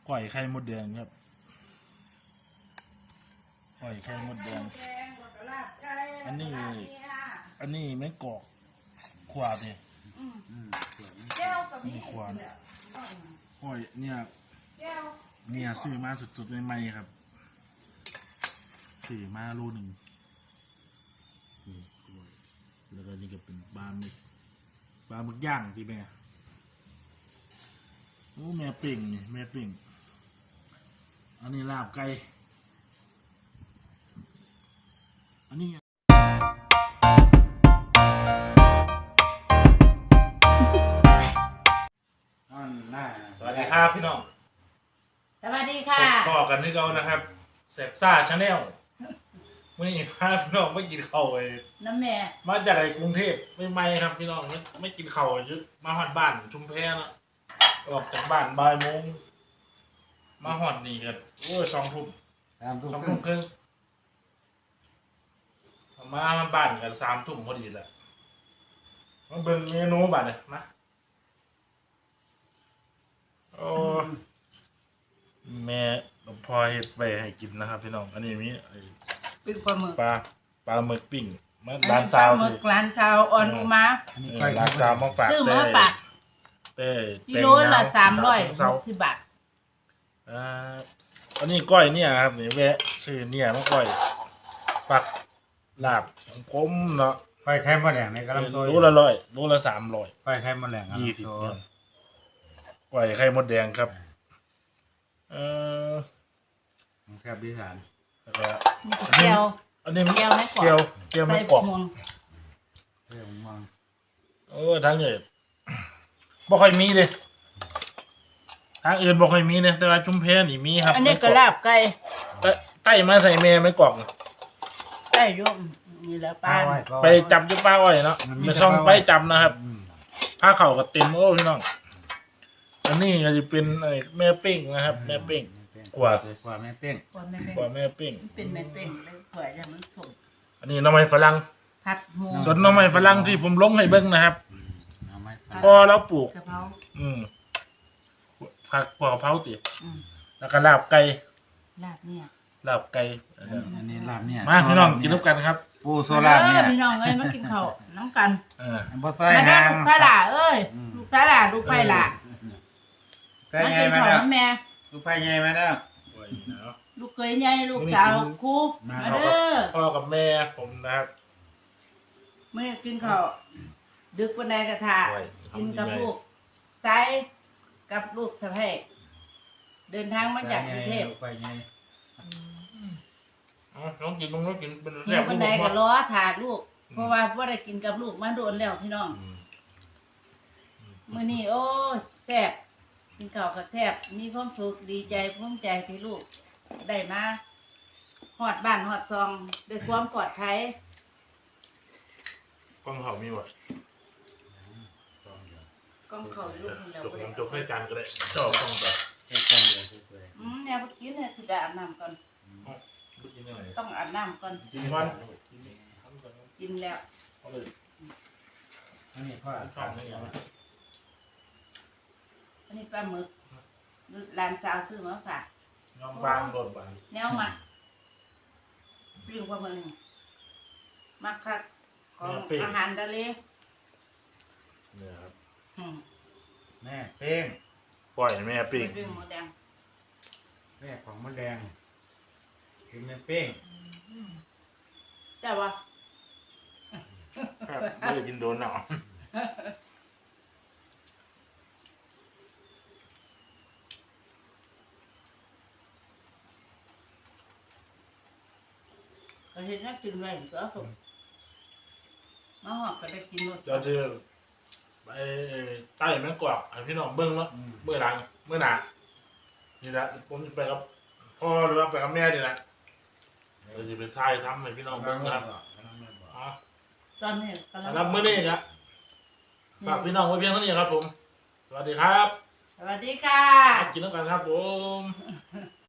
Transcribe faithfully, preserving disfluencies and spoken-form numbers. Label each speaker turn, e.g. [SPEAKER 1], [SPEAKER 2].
[SPEAKER 1] ก่อยไข่มดแดงครับก่อยไข่มดแดงอันนี้อันนี้ไม่กอกขวาดินี่ขวาก่อยเนี่ยเนี่ยซื้อมาสุดๆใหม่ๆครับซื้อมาโลหนึ่งนี่แล้วก็นี่ก็เป็นปลาหมึกปลาหมึกย่างที่แม่โอ้แม่ปิ่งนี่แม่ปิ่งอันนี้ลาบไก่อันนี้สวัสดีครับพี่น้อง
[SPEAKER 2] สวัสดีค่ะ
[SPEAKER 1] ต่อกันที่เรานะครับเสพซ่าชาแนลวันนี้พาพี่น้องไม่กินข้าวเลย
[SPEAKER 2] น้ำแม่
[SPEAKER 1] มาจากกรุงเทพไม่ไม่ครับพี่น้องไม่ไม่กินข้าวยึดมาหอดบ้านชุมแพนะออกจากบ้านบ่ายโมงมาหอดนี่กันโอ้ยสองทุ่มสองทุ่มครึ่งมาบ้านกันสามทุ่มพอดีแหละมาเบิ่งเมนูบ้านเลยมาโอ้แม่พอเฮ็ดไว้ให้กินนะครับพี่น้องอันนี้มี
[SPEAKER 2] ปิ้งปลาหมึก
[SPEAKER 1] ปลาปลาหมึกปิ้งมาร้านซาว
[SPEAKER 2] หมึกร้านซาวอ่อนอุมา
[SPEAKER 1] ร้านซาวมาฝาก
[SPEAKER 2] ซื้อมาฝาก
[SPEAKER 1] เต้
[SPEAKER 2] กิโลละสามร้อยที่บาท
[SPEAKER 1] อ่าอันนี้ก้อยเนี่ยครับนี่แวะซื้อเนี่ยมาก้อยปักลาบผมเนาะ
[SPEAKER 3] ก้อยไข่มดแดงในกระลำโซ่
[SPEAKER 1] รู้ละร้อยรู้ละสามร้อย
[SPEAKER 3] ก้อยไข่มดแดง
[SPEAKER 1] ยี่สิบก้อยไข่มดแดงครับเออ
[SPEAKER 3] แซ่บดีสาน
[SPEAKER 1] แล้วก็
[SPEAKER 2] เกี๊ยว
[SPEAKER 1] อันนี้
[SPEAKER 2] เกี๊ยวไม่กรอบ
[SPEAKER 1] เกี๊ยวเกี๊ยวไม่กรอบ
[SPEAKER 3] เกี๊ยวมัง
[SPEAKER 1] เออทางอื่นบ่ค่อยมีเลยทางอื่นบ่ค่อยมีเนี่ยแต่ว่าชุมแพนี่มีครับ
[SPEAKER 2] อันนี้กระลาบไก่
[SPEAKER 1] ใต้มาใส่แม่ไม่กรอบ
[SPEAKER 2] ไก่ยุ่มนี่แหละป้า
[SPEAKER 1] ไปจับจุป้าอ้อยเนาะไปซ่องไปจับนะครับผ้าเข่ากับเต็มโอ้พี่น้องอันนี้ก็จะเป็นไอ้แม่ปิ้งนะครับแม่ปิ้งกว่
[SPEAKER 3] ากว่าแม่ปิ้ง
[SPEAKER 1] กว่าแม่ปิ้ง
[SPEAKER 2] เป็นแม่ปิ้งเลยกว่าอย่างมันสด
[SPEAKER 1] อันนี้น้ำมันฝรั่ง
[SPEAKER 2] ผัดหมู
[SPEAKER 1] ส่วนน้ำมันฝรั่งที่ผมลงให้เบิ้งนะครับพอเราปลูกอืมผักกว่าเผาติแล้วก็ลาบไก่
[SPEAKER 2] ลาบเนี่ย
[SPEAKER 1] ลาบไก่
[SPEAKER 3] อันนี้ลาบเนี่ย
[SPEAKER 1] มาพี่น้องกินน้ำกันครับ
[SPEAKER 3] ปูโซลาเนี่ย
[SPEAKER 2] พี่น้องเอ้ยมากินข้าวน้ำกัน
[SPEAKER 1] เออ
[SPEAKER 3] บ่ใส่
[SPEAKER 2] หางลูกสาหร่าเอ้ยลูกสาหร่าลูกไผ่ล่ะ
[SPEAKER 3] มากินข้าว
[SPEAKER 2] น้ำแม่
[SPEAKER 3] ลูกไผ่ใหญ่มาแล้ว
[SPEAKER 2] ลูกเคยใหญ่ลูกสาวครูมาเด้อ
[SPEAKER 1] พ่อกับแม่ผมนะครับ
[SPEAKER 2] เมื่อกินข้าวดึกวันใดกระทะกินกับลูกไส้กับลูกสะใภ้เดินทางมาจากกรุงเทพ
[SPEAKER 1] น้องกินน้องกินเป็น
[SPEAKER 2] แซ่บวันใดก็ล้อถาดลูกเพราะว่าว่าได้กินกับลูกมาโดนแล้วพี่น้องมื้อนี้โอ้แซ่บกินข้าวก็แซ่บมีความสุขดีใจภูมิใจที่ลูกได้มาฮอดบ้านฮอดซองด้วยความปลอดภัย
[SPEAKER 1] กล้องเขามีบ่
[SPEAKER 2] กล้องเขาลูกคนเดียว
[SPEAKER 1] บ่ได้จกให้จานก็ได้จ่อกล้องไป
[SPEAKER 3] ให้กล้องเดียวเลย
[SPEAKER 2] อืมแนวเมื่อกี้เนี่ยสิไปอาบน้ำก่อนต้องอาบน้ำก่อน
[SPEAKER 1] กินก่อน
[SPEAKER 2] กินแล้ว
[SPEAKER 3] อันนี้พ่อทำนี่
[SPEAKER 2] อันนี้ปลาหมึกร้านสาวซื้อมาฝาก
[SPEAKER 1] น้องบางรถบาง
[SPEAKER 2] แนวมาปิ้งปลาหมึกมักคักของอาหารทะเล
[SPEAKER 1] เนี่ยครับ
[SPEAKER 3] แม่เป้ง
[SPEAKER 1] ปล่อยแม่ปิ้ง
[SPEAKER 2] ปิ้งหมูแดง
[SPEAKER 3] แม่ของมะแดงกินแม่เป้ง
[SPEAKER 2] แต่ว่า
[SPEAKER 1] ไม่ได้กินโดนหรอ
[SPEAKER 2] ก็เห็นน่ากินไว้ก็สุกมาหอกก็ได้กินหมด
[SPEAKER 1] จะจะไปใต้แม่กวาดพี่น้องเบิ้งแล้วเมื่อหลังเมื่อหนานี่แหละผมไปกับพ่อหรือว่าไปกับแม่นี่แหละเราจะไปถ่ายทำให้พี่น้องเบิ้งนะครับ
[SPEAKER 2] ตอนนี้
[SPEAKER 1] รับมื้อนี้ครับฝากพี่น้องไว้เพียงเท่านี้ครับผมสวัสดีครับ
[SPEAKER 2] สวัสดีค่ะ
[SPEAKER 1] กินน้ำกันครับผม